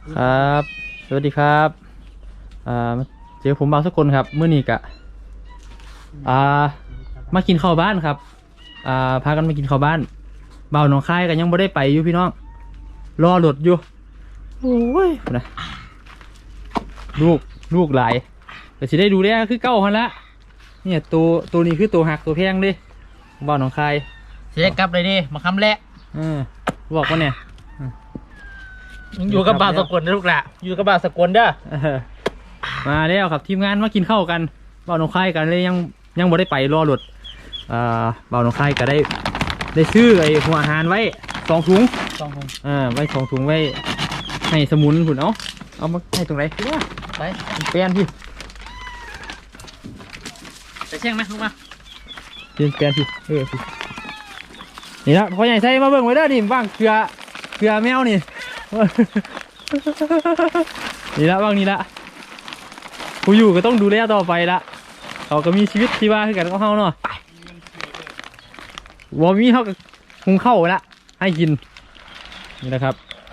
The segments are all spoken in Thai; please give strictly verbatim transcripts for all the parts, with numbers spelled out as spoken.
ครับสวัสดีครับอ่าเจอผมบางสักคนครับเมื่อนี้กะอ่ามากินข้าวบ้านครับอ่าพากันมากินข้าวบ้านเบาหนองคายกันยังไม่ได้ไปอยู่พี่น้องรอรถอยู่โอ้ยนะลูกลูกหลายแต่สิได้ดูได้คือเก้าพันละเนี่ยตัวตัวนี้คือตัวหักตัวแพงดิเบาหนองคายเสียกลับเลยดิมาคำแรกเออบอกว่าเนี่ยอยู่กับบ่าวสกลนะลูกหละอยู่กับบ่าวสกลเด้อเออมาแล้วครับทีมงานมากินข้าวกันเบาหนองคายกันเลยยังยังบ่ได้ไปรอรถอ่าเบาหนองคายก็ได้ได้ซื้อไอ้หัวอาหารไว้สองถุงสองถุงอ่าไว้สองถุงไว้ให้สมุนผุนเอาเอามาให้ตรงไหนไปเปลี่ยนพี่ไปเชียงไหมลูกมาเปลี่ยนเปลี่ยนพี่เออพี่นี่ละพอใหญ่ใส่มาเบิ่งไว้เด้อนี่บ้างเกลือเกลือแมวนี่ นี่ละบ้างนี่ละผู้อยู่ก็ต้องดูแลต่อไปละเขาก็มีชีวิตที่ว่าคือกันก็เขาเนาะวอมีเขาก็คงเข้าละให้กินนี่นะครับ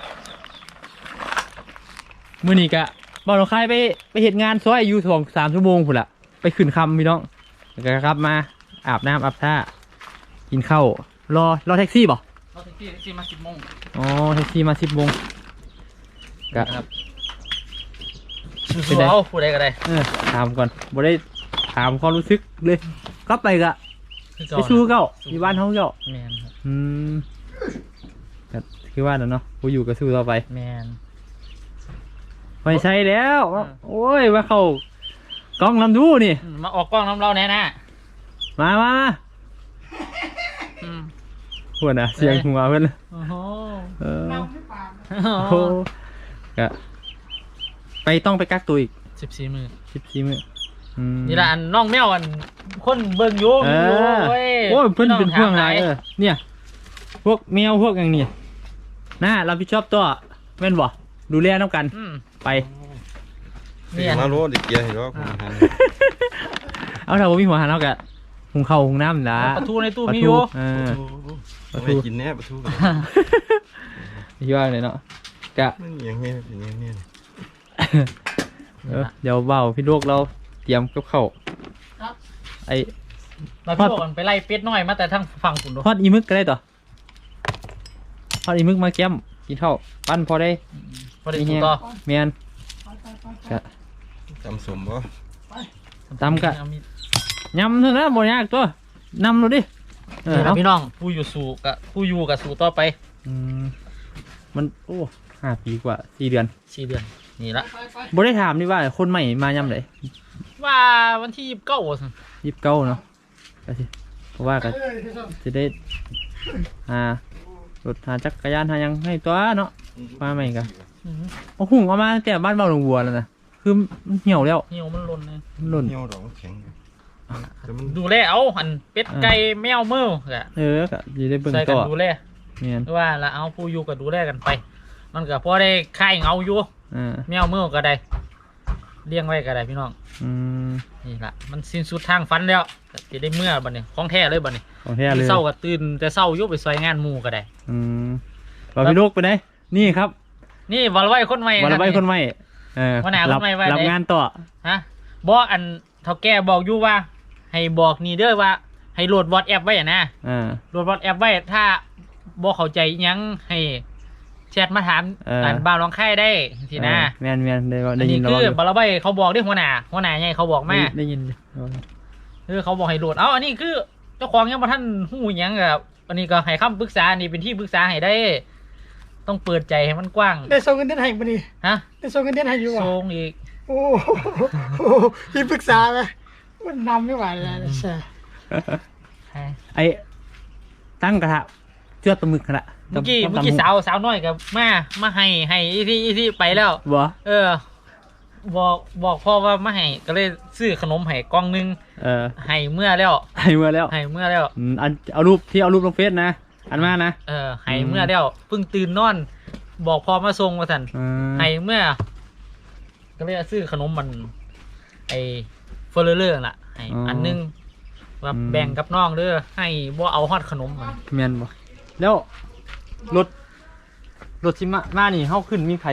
มื่อนี้กะบอลเราคายไปไปเหตุงานซอยอยู่สองสามชั่วโมงพุ่นละไปขึ้นคำพี่น้องแล้วก็ครับมาอาบน้ำอาบท่ากินข้าวรอรอแท็กซี่ป่ะรถแท็กซี่แท็กซี่มาสิบโมงอ๋อแท็กซี่มาสิบโมงกะครับสู้ๆเอาผู้ใดก็ได้เออถามก่อนบ่ได้ถามความรู้สึกเลยกลับไปกะคือไปสู้เก้าที่บ้านเขาเก้าแมนครับอืมก็คือว่าเนาะผู้อยู่ก็สู้ต่อไปแมนไม่ใช่แล้วอ่าโอ้ยมาเข้ากล้องลำดูนี่อืมมาออกกล้องน้ำเราแน่นะมามามาอืมเพื่อนอะเสียงหัวเพื่อนโอ้โหเออโอ้ก็ไปต้องไปกักตัวอีกสิบสี่มือสิบสี่มื้ออืมนี่ละอันน้องแมวอันคนเบิ่งอยู่เออโอ้ยโอ้ยเพื่อนเป็นพวกอะไรพี่เอน้อเนี่ย พวกแมวพวกอย่างนี้น่ารับผิดชอบตัวแม่นบ่ดูแลน้ำกันอืมไปเนี่ยมาโลดเด็กเกียร์เห็นว่าผมหันเอาถ้าผมมีหัวหันเอากะหุงข้าวหุงน้ำนะปลาทูในตู้ปลามีอทูยู่เออ ปลาทูไม่กินแน่ปลาทูกันที่ว่าเลยเนาะกะมันอย่างเงี้ยเป็นอย่างเงี้ยเออเดี๋ยวเบาพี่ลูกเราเตรียมกับข้าวครับไอ้มาพี่บอกกันไปไล่เป็ดน้อยมาแต่ทั้งฝั่งคุณดูทอดอีมึกก็ได้ต่อทอดอีมึกมาแก้มกินข้าวปั้นพอได้พอได้ถูกต่อเมียนกะจำสมบ่ตำกะยำเท่านั้นบ่ยากตัวนำเราดิเออนี่ครัเอาบพี่น้องผู้อยู่สู่กับผู้อยู่กับสู่ต่อไปอืมมันโอ้ห้าปีกว่าสี่เดือนสี่เดือนนี่ละบ่ได้ถามนี่ว่าคนใหม่มายำไหนว่าวันที่ยี่สิบเก้ายิบเก้าเนาะก็สิเพราะว่าก็จะได้หารถหาจักรยานหายังให้ตัวเนาะมาใหม่กันเอาหุ่งเอามาตั้งแต่บ้านเบาหลวงวัวแล้วนะคือมันเหี่ยวแล้วเหี่ยวมันหล่นเลยมันหล่นเหี่ยวดอกแข็งแต่มันดูแลเอาหันเป็ดไก่แมวเมื่อกะเออก็จะได้เบิ่งใส่กัต่นอดูแลเมียนว่าละเอาผู้อยู่กับดูแลกันไป มันก็พอได้ค่ายเงาอยู่อ่าแมวเมื่อก็ได้เลี้ยงไว้ก็ได้พี่น้องอืมนี่ละมันสิ้นสุดทางฟันแล้วก็จะได้เมื่อบัดนี้ของแท้เลยบัดนี้ของแท้เลยเศร้าก็ตื่นแต่เศร้าอยุบไปซอยงานหมู่ก็ได้อืมบาพี่ลูกไปไหนนี่ครับนี่วอลไว้คนใหม่วันละใบคนใหม่เออวันไหนคนรับใหม่ไว้รับไหนงานต่อฮะบอกอันเท่าแก่บอกอยู่ว่า ให้บอกนี่เด้อว่า ให้โหลดวอทแอปไว้อะนะอ่าโหลดวอทแอปไว้ถ้าบอกเข้าใจอิหยังให้แชทมาถามเอออัอันบ่าวร้องไห้ได้สินะเออแมนแมนได้ว่าอัได้นยินี้นคืเราออยู่บาราใบเขาบอกด้วยหัวหน้าหัวหน้าไงเขาบอกมาได้ได้ยินอยู่คือเขาบอกให้โหลดเอ้าอันนี้คือเจ้าของยังมาท่านหูหยังกับอันนี้ก็ให้คำปรึกษาอันนี้เป็นที่ปรึกษาให้ได้ ต้องเปิดใจให้มันกว้างได้ส่งเงินเดือนให้บ่นี่ฮะได้ส่งเงินเดือนให้อยู่อ่ะทรงอีกโอ้โหพี่ปรึกษาไหมมันนำไม่ไหวแล้วนะใช่ไอ้ตั้งกระทะเชือดปลาหมึกกระทะเมื่อกี้ตำเมื่อกี้ตำสาวสาวน้อยกับมามาให้ให้อีที่อีที่ไปแล้วบ่เออ บอกบอกพ่อว่ามาให้ก็เลยซื้อขนมให้กล่องหนึงเออให้เมื่อแล้วให้เมื่อแล้วให้เมื่อแล้วอืมอันเอารูปที่เอารูปลงเฟซนะ อันมานะเออให้เมื่อแล้วเพิ่งตื่นนอน บอกพ่อมาส่งมาสั่นอืมให้เมื่อ ก็เลยซื้อขนมมัน ไอเฟอร์เรอร์ล่ะให้อันหนึงว่าแบ่งกับน้องเด้อให้บ่เอาฮอดขนมมันแมนบ่แล้วรถรถชิมามานี่เฮาขึ้นมีใครบ่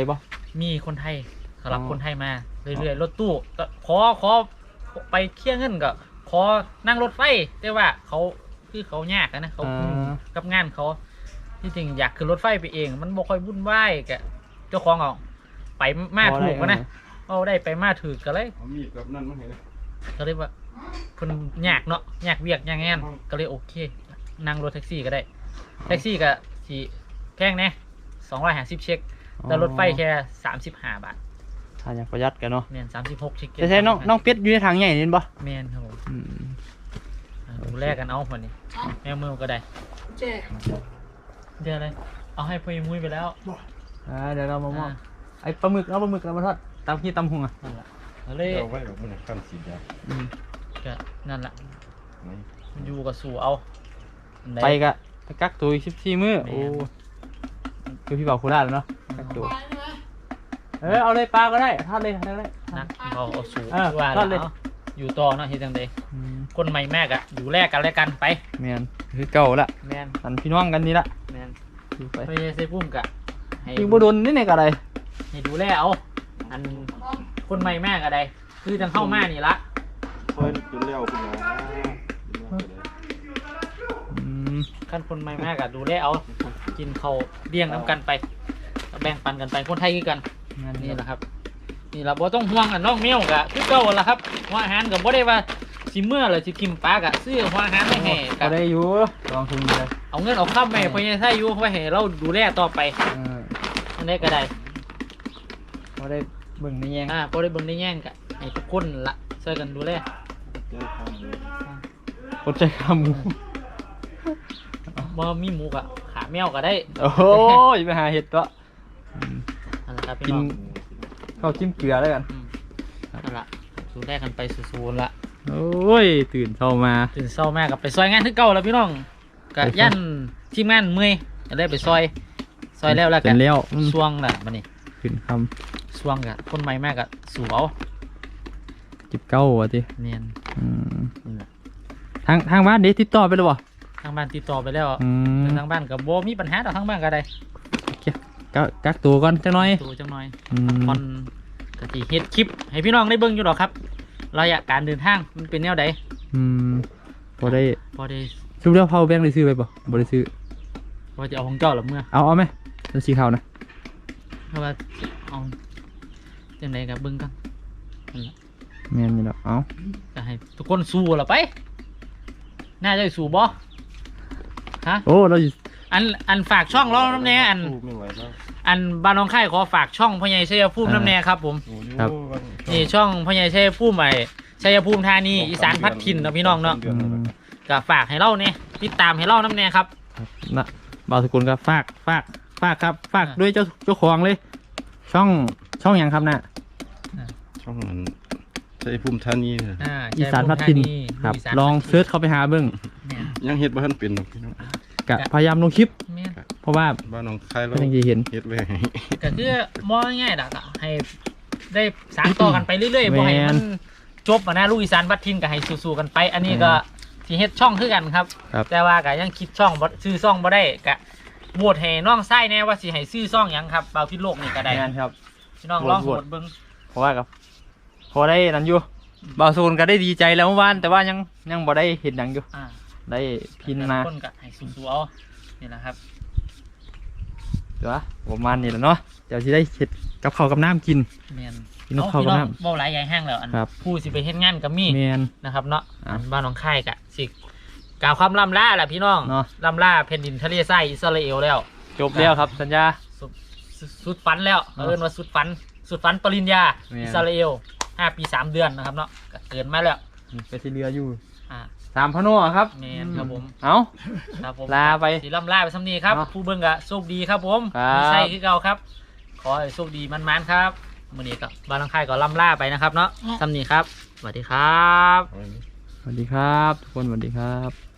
มีคนไทยสำหรับอ๋อคนไทยมาเรื่อยๆรถตู้ก็ขอขอไปเคลียร์เงินก็ขอนั่งรถไฟแต่ว่าเขาคือเขายากอะนะเขาอ่ากับงานเขาที่จริงอยากขึ้นรถไฟไปเอง มันบ่ค่อยวุ่นวายกะเจ้าของเอาไปมาถูกอะนะเอาได้ไปมาถูกก็เลยเอามีดกับนั่นมาให้เลยก็เลยว่าเพิ่นยากเนาะยากเวียกยากงานก็เลยโอเค นั่งรถแท็กซี่ก็ได้ แท็กซี่ก็สิแพงแน่สองร้อยห้าสิบเช็คแต่รถไฟแค่สามสิบห้าบาทถ้าอยากประหยัดกันเนาะแมนสามสิบหกเช็คแต่ใช่น้องน้องเป็ดอยู่ในทางใหญ่นี่บ่แมนครับผมอืมอ่าดูแลกันเอาคนนี้แมวมือก็ได้เจ๊เดี๋ยวอะไรเอาให้พ่อมุ้ยไปแล้วบอกอ่าเดี๋ยวเรามามอบอ่าไอ้ปลาหมึกเอาปลาหมึกเรามาทอดตำขี้ตำหุงอ่ะนั่นแหละเอาเลยเอาไว้แบบมันขั้นสีดาอืมก็นั่นแหละนี่มันอยู่กับสู่เอาอันใดไปกะไปกักตัวอีกสิบสี่มื้อแม่นโอ้คือพี่บ่าวโคราชแล้วเนาะกักตัวเออเอาเลยปลาก็ได้ทอดเลยทอดเลยนะเราเอาสู่เออว่าทอดเลยแล้วอยู่ต่อเนาะเฮ็ดจังไดอืมคนใหม่แม่กะอยู่แลกกันแล้วกันไปแมนคือเก่าละแมนอันพี่น้องกันนี่ละแมนอยู่ไปไปใส่ปุ้มกะให้ยิงบ่โดนนี่ไหนกะไรให้ดูแลเอาอันคนใหม่แม่กะใดคือจังเข้ามานี่ละเพิ่นจนแล้วคุณหมออืมขั้นคนใหม่แม่กะดูแลเอากินเขาวเลี้ยงน้ำกันไปแบ่งปันกันไปคนไทยคือกันงานนี่นี้แหละครับ นี่เราบ่ต้องห่วงอันน้องเมียวกะคือเก่าละครับหัวอาหารก็บ่ได้ว่าสิเมื่อหรือสิกินปลากะซื้อหัวอาหารไม่ให้ก็กะได้อยู่ลองทุนเลยเอาเงินเอาข้ามไปให้พ่อใหญ่ไทยอยู่ไว้ให้เราดูแลต่อไปเอออันนี้ก็ได้ก็ได้เบิ่งในแยงอ่าบ่ได้เบิ่งได้แย่งกะให้ทุกคนละช่วยกันดูแลเจ้าทางเลยคนใจขาหมูบ่มีหมูกะขาแมวก็ได้โอ้ยไปหาเห็ดตัวอืมนั่นแหละครับพี่กินน้องข้าวจิ้มเกลือแล้วกันอืมนั่นละดูแลกันไปสู้ๆละโอ้ยตื่นเช้ามาตื่นเช้าแม่กับไปซอยงานที่เก่าแล้วพี่น้องกะยันทีมงานเมื่อยก็ได้ไปซอยซอยแล้วแล้วเสกัร็นจแล้วอืมช่วงน่ะบัดนี้ขึ้นคช่วงกะคนใหม่แม่กะสู่เอาำจิบเก้าว่ะทีเนียนอืมนี่แหละทางทางบ้านเด็ติดต่อไปเลยบ่ทางบ้านติดต่อไปแล้วอืมทางบ้านกับโบมีปัญหาต่อทางบ้านก็ได้กักกักตัวก่อนจังหน่อยตัวจังหน่อยอืมคอนกะทิเฮ็ดคลิปให้พี่น้องได้เบิ่งอยู่หรอกครับระยะการเดินทางมันเป็นแนวใดอืมพอได้พอได้ชุบเดียวเผาแบงค์ได้ซื้อไปบ่บ่ได้ซื้อพอจะเอาของเจ้าหรือเมื่อเอาเอาไหมเป็นสีขาวนะเพราะว่าเอาจังไดกับเบิ่งกันนั่นแหละแม่นอยู่แล้วเอาก็ให้ทุกคนสู้ละไป น่าจะสู้บ่ฮะโอ้เราอยู่อันอันฝากช่องร้องน้ำแน่อันสู้ไม่ไหวแล้วอันบ้านน้องไข่ขอฝากช่องพ่อใหญ่ชัยภูมิน้ำแน่ครับผมโอ้ยครับนี่ช่องพ่อใหญ่ชัยภูมิใหม่ชัยภูมิธานีอีสานพัดถิ่นเนาะพี่น้องเนาะอืมก็ฝากให้เล่าเนี่ยติดตามให้เล่าน้ำแน่ครับครับนะบ่าวสกุลครับฝากฝากฝากครับฝากอ่าด้วยเจ้าเจ้าของเลย ช่องช่องหยังครับน่ะช่องนั้นใช้ภูมิธานีน่ะอ่าอีสานพัดถิ่นครับอีสานลองพัดถิ่นเซิร์ชเข้าไปหาเบิ้งเนี่ยยังเฮ็ดบ่ทันเป็นหรอกพี่น้องกะพยายามลงคลิปแม่นเพราะว่าบ้านหนองคายเราก็ยังจะเห็นเฮ็ดไว้ให้ก็คือมองง่ายๆดอกให้ได้สานต่อกันไปเรื่อยๆบ่ให้มันจบอ่ะนะลูกอีสานพัดถิ่นก็ให้สู้ๆกันไป อันนี้ก็ที่เฮ็ดช่องคือกันครับครับแต่ว่าก็ยังคิดช่องบ่ซื้อช่องบ่ได้ก็โหวตให้น้องไส้แน่ว่าสิให้ซื้อช่องหยังครับเบาพิษโลกนี่ก็ได้งานครับพี่น้องโหวตลองโหโหววตตเบิ่งเพราะว่ากับพอได้นั้นอยู่บ่าวสกุลก็ได้ดีใจแล้วเมื่อวานแต่ว่ายังยังบ่ได้เห็นหนังอยู่อ่าได้พินมาคนก็ให้สู้ๆเอานี่แหละครับเดี๋ยวประมาณนี้แหละเนาะเดี๋ยวจะได้เห็ดกับข้าวกับน้ำกินแม่นกินกับข้าวกับน้เว้าหลายใหญ่แห้งแล้วอันครับผู้สิไปเฮ็ดงานก็มีำเมียนนะครับเนาะอ่ะอันบ้านหนองคายกะสิกล่าวความล่ำล่าแหละพี่น้องเนาะล่ำล่าแผ่นดินทะเลทรายอิสราเอลแล้วจบแล้วครับสัญญาสุดสุดสุดฝันแล้วเนาะเอิ้นว่าสุดฝัน สุดฝันปริญญาแม่นอิสราเอลห้าปีสามเดือนนะครับเนาะก็เกินมาแล้วไปที่เรืออยู่อ่าสามพะโนะครับแม่นครับผมเอาครับผมลาไปสีล่ำล่าไปซ้ำนี้ครับเนาะผู้เบิ่งกะโชคดีครับผมครับมีไส้คือเก่าครับ ขอให้โชคดีมันๆครับมื้อนี้ก็บ้านหนองคายก็ล่ำล่าไปนะครับเนาะซ้ำนี้ครับสวัสดีครับเอาไว้สวัสดีครับ ทุกคนสวัสดีครับ